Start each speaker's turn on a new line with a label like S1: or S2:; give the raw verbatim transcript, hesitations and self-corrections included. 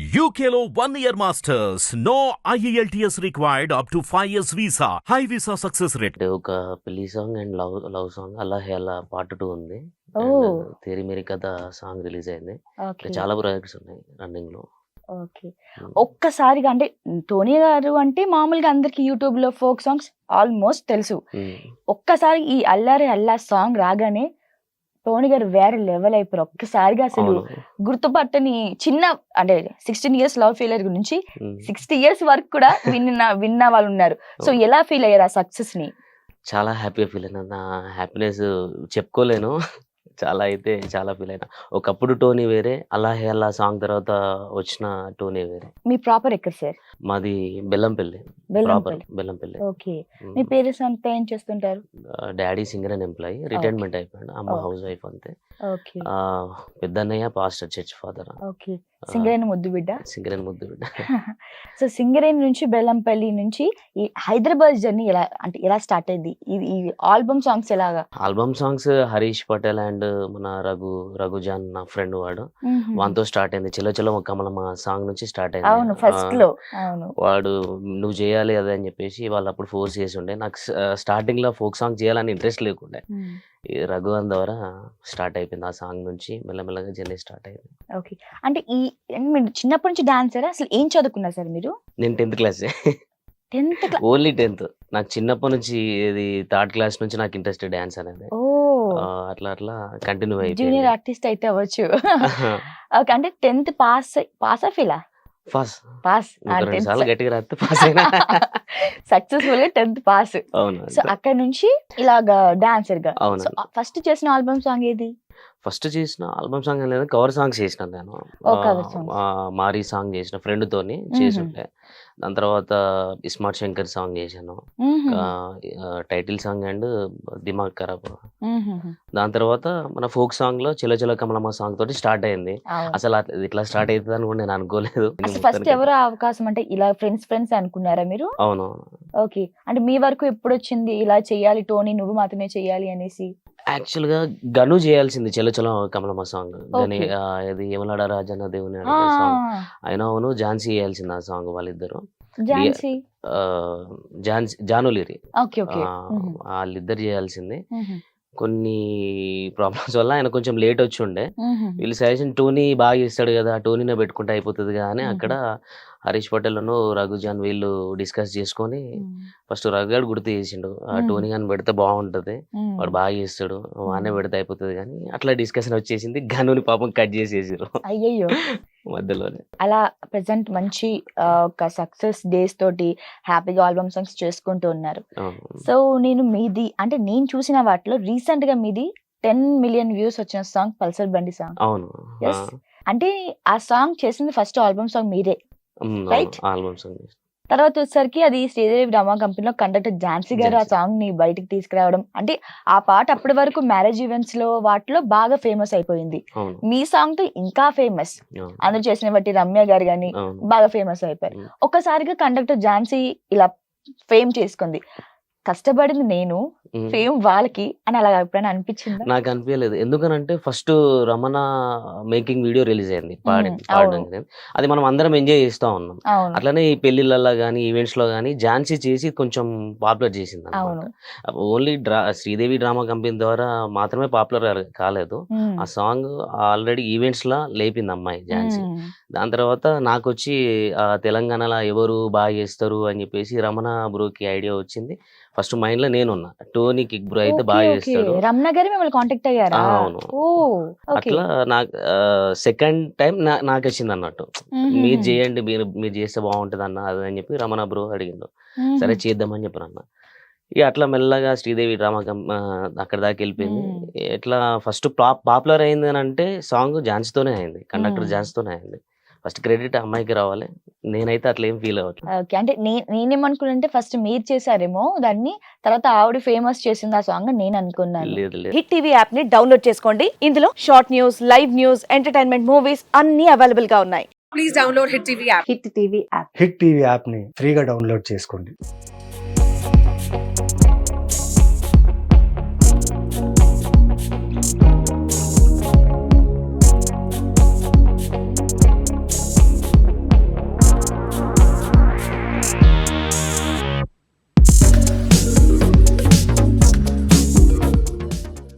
S1: U K లో one year masters. No I E L T S required up to five years visa. High visa success rate.
S2: అంటే ఒక పెళ్లి song and love love song అలా అలా part two ఉంది.
S3: ఓ
S2: and Teri Meri Katha song release అయింది. ఇంకా
S3: ఓకే
S2: చాలా ప్రాజెక్ట్స్ ఉన్నాయి రన్నింగ్ లో.
S3: ఓకే
S2: ఉమ్,
S3: ఒక్కసారిగా అంటే టోనీ గారు అంటే మామూలుగా అందరికి యూట్యూబ్ లో ఫోక్ సాంగ్స్ ఆల్మోస్ట్ తెలుసు.
S2: ఉమ్,
S3: ఒక్కసారి ఈ అల్లారి అల్లా సాంగ్ రాగానే టోనీ గారు వేరే లెవెల్ అయిపోయారు. ఒక్కసారిగా అసలు
S2: అవును.
S3: గుర్తుపట్టని చిన్న అంటే సిక్స్టీన్ ఇయర్స్ లవ్ ఫెయిలియర్ నుంచి
S2: ఉమ్,
S3: సిక్స్టీ ఇయర్స్ వరకు కూడా విన్న విన్న వాళ్ళు ఉన్నారు. సో
S2: అవును.
S3: ఎలా ఫీల్ అయ్యారు ఆ సక్సెస్ ని?
S2: చాలా హ్యాపీగా ఫీల్ అయినా. నా హ్యాపీనెస్ చెప్పుకోలేను. చాలా అయితే చాలా ఫీల్ అయినా. ఒకప్పుడు టోనీ వేరే, అలా హే అల్లా సాంగ్ తర్వాత వచ్చిన టోనీ వేరే.
S3: మీ ప్రాపర్ ఎక్కడ సార్?
S2: మాది బెల్లంపల్లి, ప్రాపర్
S3: బెల్లంపల్లి.
S2: బెల్లంపల్లి.
S3: ఓకే. మీ పేరెంట్స్ అంతా ఏం చేస్తుంటారు?
S2: Daddy singer and employee,
S3: okay
S2: retirement అయిపోయాడు. అమ్మ
S3: ఓకే
S2: హౌస్ వైఫ్ అంతే.
S3: ఓకే
S2: ఆ, పెద్దన్నయ్య pastor church father.
S3: Okay. Singareni ముద్దు బిడ్డ.
S2: సింగర్ అండ్ ముద్దు బిడ్డ.
S3: సో సింగరేణి నుంచి బెల్లంపల్లి నుంచి ఈ హైదరాబాద్ జర్నీ ఎలా అంటే ఎలా స్టార్ట్ అయింది? ఇది ఈ ఆల్బమ్ సాంగ్స్ ఎలాగా?
S2: Album songs Harish Patel and మన రఘు రఘుజాన్ నా ఫ్రెండ్ వాడు,
S3: మ్మ్హ్మ్.
S2: వానితో స్టార్ట్ అయింది. చెలో చెలో ఒక కమలమ్మ సాంగ్ నుంచి స్టార్ట్ అయింది.
S3: అవును
S2: ఆ,
S3: ఫస్ట్ లో. అవును.
S2: వాడు నువ్వు చేయాలి అదే అని చెప్పేసి వాళ్ళు అప్పుడు ఫోర్స్ చేసి ఉండే. నాకు స్టార్టింగ్ లో ఫోక్ సాంగ్ చేయాలని ఇంట్రెస్ట్ లేకుండే.
S3: మ్మ్.
S2: ఈ రఘువన్ ద్వారా స్టార్ట్ అయిపోయింది. ఆ సాంగ్ నుంచి మెల్లమెల్లగా జర్నీ స్టార్ట్ అయింది.
S3: ఓకే. అంటే ఈ మీరు చిన్నప్పటి నుంచి డాన్సరా? అసలు ఏం చదువుకున్నారు సార్ మీరు?
S2: నేను tenth class,
S3: tenth class?
S2: Only tenth. నాకు చిన్నప్పటి నుంచి ఇది థర్డ్ క్లాస్ నుంచి నాకు ఇంట్రెస్ట్ డాన్స్ అనేది.
S3: ఓ
S2: ఆ, అట్లా అట్లా కంటిన్యూ అయిపోయింది.
S3: జూనియర్ ఆర్టిస్ట్ అయితే అవ్వచ్చు. ఓకే. అంటే టెన్త్ పాస్ పాస్ ఫీలా?
S2: First
S3: pass.
S2: ఒక రెండు
S3: టెన్త్
S2: సార్లు గట్టిగా రాస్తే పాస్ అయినా.
S3: సక్సెస్ఫుల్ గా టెన్త్ పాస్.
S2: అవును
S3: సో
S2: అంతే.
S3: అక్కడ నుంచి ఇలాగా డాన్సర్ గా. సో
S2: అవునండి.
S3: ఫస్ట్ చేసిన ఆల్బమ్ సాంగ్ ఏది?
S2: ఫస్ట్ చేసిన ఆల్బమ్ సాంగ్ లేదు, కవర్ సాంగ్స్ చేసిన నేను.
S3: ఓ
S2: ఆ,
S3: కవర్ సాంగ్స్.
S2: ఆ, మారీ సాంగ్ చేసిన ఫ్రెండ్ తోని చేసి ఉండే. దాని తర్వాత ఇస్మార్ట్ శంకర్ సాంగ్ చేశాను. Title song and Dimaag Kharaab. దాని తర్వాత మన ఫోక్ సాంగ్ లో చెల చెల కమలమ్మ సాంగ్ తోటి స్టార్ట్ అయింది.
S3: అవును.
S2: అసలు అట్లా- ఇది ఇట్లా స్టార్ట్ అవుతుంది అని కూడా నేను అనుకోలేదు.
S3: అసలు ఫస్ట్
S2: మొత్తానికి
S3: ఎవరు అవకాశం అంటే ఇలా ఫ్రెండ్స్ ఫ్రెండ్స్ అనుకున్నారా మీరు?
S2: అవును.
S3: ఓకే. అంటే మీ వరకు ఎప్పుడు వచ్చింది ఇలా చెయ్యాలి టోనీ నువ్వు మాత్రమే చెయ్యాలి అనేసి?
S2: యాక్చువల్ గా గను చేయాల్సింది చెల చెల కమలమ్మ సాంగ్. గని
S3: ఓకే.
S2: ఆ, ఇది యమలాడ రాజన్న దేవుని
S3: ఆ,
S2: అడిగే సాంగ్. ఆయన అవును ఝాన్సీ చేయాల్సింది ఆ సాంగ్ వాళ్ళిద్దరు. డి-
S3: ఝాన్సీ.
S2: ఆ, ఝాన్సీ జానులిరి
S3: ఓకే ఓకే.
S2: ఆ, వాళ్ళిద్దరు చేయాల్సింది.
S3: మ్మ్.
S2: కొన్ని ప్రాబ్లమ్స్ వల్ల ఆయన కొంచెం లేట్ వచ్చి ఉండే.
S3: మ్మ్.
S2: వీళ్ళు సజెషన్ టోనీ బాగా చేస్తాడు కదా, టోనీనే పెట్టుకుంటే అయిపోతుంది కదా అని
S3: మ్మ్.
S2: అక్కడ హరీష్ పటేల్ను రఘుజాన్ వీళ్ళు డిస్కస్ చేసుకొని
S3: మ్మ్.
S2: ఫస్ట్ రఘుగాడు గుర్తు చేసిండు, ఆ
S3: మ్మ్.
S2: టోనీ గాని పెడితే బాగుంటది, వాడు
S3: మ్మ్.
S2: బాగా చేస్తాడు, వానే
S3: మ్మ్.
S2: పెడితే అయిపోతుంది కానీ అట్లా డిస్కషన్ వచ్చేసింది. గనుని పాపం కట్ చేసేసారు
S3: అయ్యయ్యో.
S2: మధ్యలోనే.
S3: అలా ప్రెసెంట్ మంచి ఆ, ఒక సక్సెస్ డేస్ తోటి హ్యాపీగా ఆల్బమ్ సాంగ్స్ చేసుకుంటూ ఉన్నారు.
S2: అవును.
S3: సో నేను మీది అంటే నేను చూసిన వాటిలో రీసెంట్ గా మీది టెన్ మిలియన్ వ్యూస్ వచ్చిన సాంగ్ పల్సర్ బండి సాంగ్.
S2: అవును. ఆ,
S3: ఎస్. అంటే ఆ సాంగ్ చేసింది ఫస్ట్ ఆల్బమ్ సాంగ్ మీరే,
S2: ఉమ్, అవును.
S3: రైట్?
S2: Album song.
S3: తర్వాత వచ్చేసరికి అది శ్రీదేవి డ్రామా కంపెనీలో కండక్టర్ ఝాన్సీ గారు ఆ
S2: ఝాన్సీ.
S3: సాంగ్ ని బయటికి తీసుకురావడం, అంటే ఆ పాట అప్పటి వరకు మ్యారేజ్ ఈవెంట్స్ లో వాటిలో బాగా ఫేమస్ అయిపోయింది.
S2: అవును.
S3: మీ సాంగ్ తో ఇంకా ఫేమస్.
S2: అవును.
S3: అందరూ చేసిన బట్టి రమ్య గారు గాని
S2: అవును.
S3: బాగా ఫేమస్ అయిపోయారు.
S2: ఉమ్.
S3: ఒక్కసారిగా కండక్టర్ ఝాన్సీ ఇలా ఫేమ్ చేసుకుంది. కష్టపడింది నేను,
S2: ఉమ్.
S3: ఫేమ్ వాళ్ళకి అని అలా ఎప్పుడైనా అనిపించిందా?
S2: నాకు అనిపించలేదు. ఎందుకనంటే first Ramana making video release అయింది పాడి
S3: ఉమ్, అవును
S2: పాడడానికి. అది మనం అందరం ఎంజాయ్ చేస్తా ఉన్నాం.
S3: అవును
S2: అట్లనే ఈ పెళ్లిళ్ళల్లో కానీ ఈవెంట్స్ లో కానీ ఝాన్సీ చేసి కొంచెం పాపులర్ చేసింది
S3: అవును.
S2: అనమాట. ఓన్లీ డ్రా శ్రీదేవి డ్రామా కంపెనీ ద్వారా మాత్రమే పాపులర్ కాలేదు.
S3: ఉమ్,
S2: ఆ సాంగ్ ఆల్రెడీ ఈవెంట్స్ లా లేపింది అమ్మాయి ఝాన్సీ.
S3: ఉమ్,
S2: దాని తర్వాత నాకు వచ్చి ఆ, తెలంగాణలో ఎవరు బాగా చేస్తారు అని చెప్పేసి రమణ బ్రోకి ఐడియా వచ్చింది. ఫస్ట్ మైండ్ లో నేనున్నా, టోనీ కిక్ బ్రో అయితే
S3: ఓకే
S2: బాగా
S3: ఓకే.
S2: చేస్తాడు.
S3: రమణ గారు మిమ్మల్ని కాంటాక్ట్
S2: ఆ,
S3: అయ్యారా?
S2: అవును.
S3: ఓ ఓకే.
S2: అట్లా నాకు సెకండ్ టైం నాకు వచ్చింది అన్నట్టు, మీరు చేయండి, మీరు మీరు చేస్తే బాగుంటుంది అన్న అది అని చెప్పి రమణ బ్రో అడిగిండు. సరే చేద్దామని చెప్పాను అన్న. ఇక అట్లా మెల్లగా శ్రీదేవి డ్రామా కం ఆ, అక్కడ దాకా వెళ్ళిపోయింది. ఎట్లా ఫస్ట్ పాపులర్ అయింది అని అంటే సాంగ్ ఝాన్సీతోనే అయింది, కండక్టర్ ఝాన్సీతోనే అయింది. ఫస్ట్ క్రెడిట్ అమ్మాయికి రావాలి. నేనైతే అట్లా ఏం ఫీల్ అవ్వట్లేదు.
S3: ఓకే. అంటే నే- నేనేమనుకున్నానంటే ఫస్ట్ మీరు చేశారేమో దాన్ని, తర్వాత ఆవిడ ఫేమస్ చేసింది ఆ సాంగ్ నేను అనుకున్నాను.
S2: లేదు లేదు.
S4: హిట్ టీవీ యాప్ ని డౌన్లోడ్ చేసుకోండి. ఇందులో short news, live news, entertainment movies అన్ని అవైలబుల్ గా ఉన్నాయి. Please download Hit TV app.
S3: Hit TV app.
S5: Hit TV యాప్ని ఫ్రీగా డౌన్లోడ్ చేసుకోండి.